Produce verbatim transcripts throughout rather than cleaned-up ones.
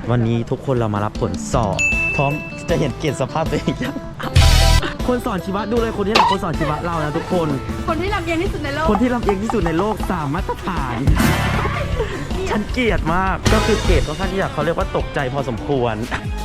วันนี้ทุกคนเรามารับผลสอบพร้อมจะเห็นเกรดสภาพตัวเองยังคนสอนชีวะดูเลยคนนี้แหละคนสอนชีวะเรานะทุกคนคนที่ลำเอียงที่สุดในโลกคนที่ลำเอียงที่สุดในโลกสามมาตรฐานฉันเกลียดมากก็คือเกรดค่อนข้างที่จะเขาเรียกว่าตกใจพอสมควร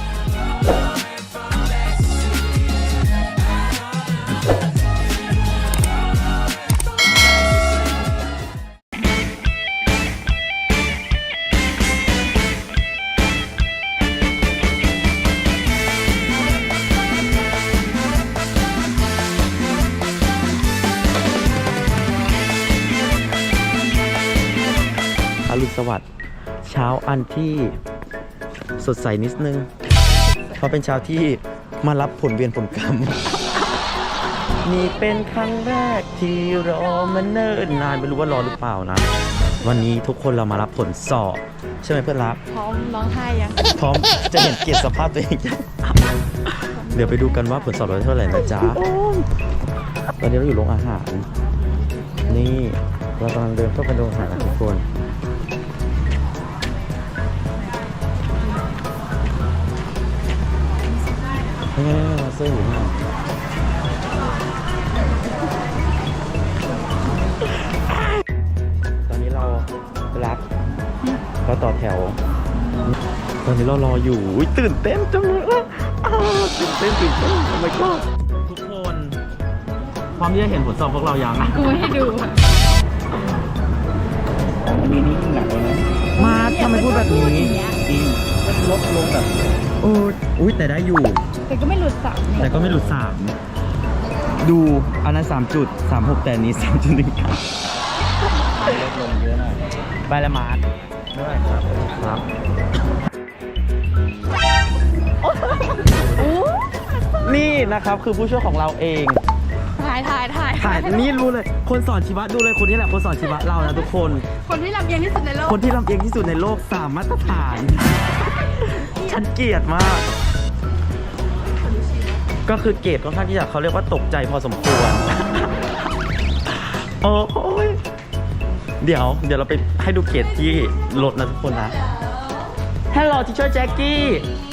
อรุณสวัสดิ์เช้าอันที่สดใสนิดนึงเพราะเป็นเช้าที่มารับผลเวียนผลกรรมนี่เป็นครั้งแรกที่รอมาเนิ่นนานไม่รู้ว่ารอหรือเปล่านะวันนี้ทุกคนเรามารับผลสอบใช่ไหมเพื่อนรักพร้อมร้องไห้ยังพร้อมจะเห็นเกรดสภาพตัวเองยังเดี๋ยวไปดูกันว่าผลสอบเราได้เท่าไหร่นะจ๊ะตอนนี้เราอยู่โรงอาหารนี่เรากำลังเดินเข้าไปโรงอาหารนะทุกคนนี่มาซื้ออยู่นะตอนนี้เรารักเราต่อแถวตอนนี้เรารออยู่ตื่นเต้นจังเลยตื่นเต้นตื่นเต้นทำไมก็ทุกคนพร้อมที่จะเห็นผลสอบพวกเรายังกูไม่ให้ดูมีนี่หนักเลยนะมาทำไมพูดแบบนี้จริงลดลงแบบโอ้อุ้ยแต่ได้อยู่แต่ก็ไม่หลุดสามแต่ก็ไม่หลุดสามดูอันนั้นสามจุดสามหกแต่นี้สามจุดหนึ่งครับลดลงเยอะหน่อยไปละมาร์ทด้วยครับครับนี่นะครับคือผู้ช่วยของเราเองถ่ายถ่ายถ่ายถ่ายนี่รู้เลยคนสอนชีวะดูเลยคนนี้แหละคนสอนชีวะเรานะทุกคนคนที่ลำเอียงที่สุดในโลกคนที่ลำเอียงที่สุดในโลกสามมาตรฐานฉันเกลียดมากก็คือเกรดค่อนข้างที่จะเขาเรียกว่าตกใจพอสมควรโอ้ยเดี๋ยวเดี๋ยวเราไปให้ดูเกรดที่รถนะทุกคนนะ Hello teacher Jackie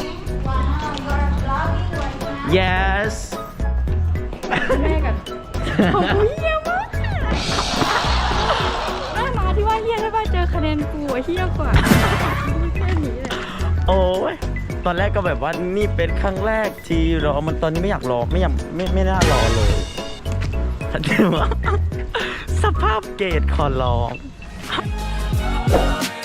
Yes แม่กันโอ้ยเฮี้ยมากแม่มาที่ว่าเฮี้ยได้ป่ะเจอคะแนนกูเฮี้ยกว่าแค่นี้เลยโอ้ยตอนแรกก็แบบว่านี่เป็นครั้งแรกที่รอมันตอนนี้ไม่อยากรอไม่อยากไม่ไม่น่ารอเลยฉันคิดว่าสภาพเกรดขอร้อง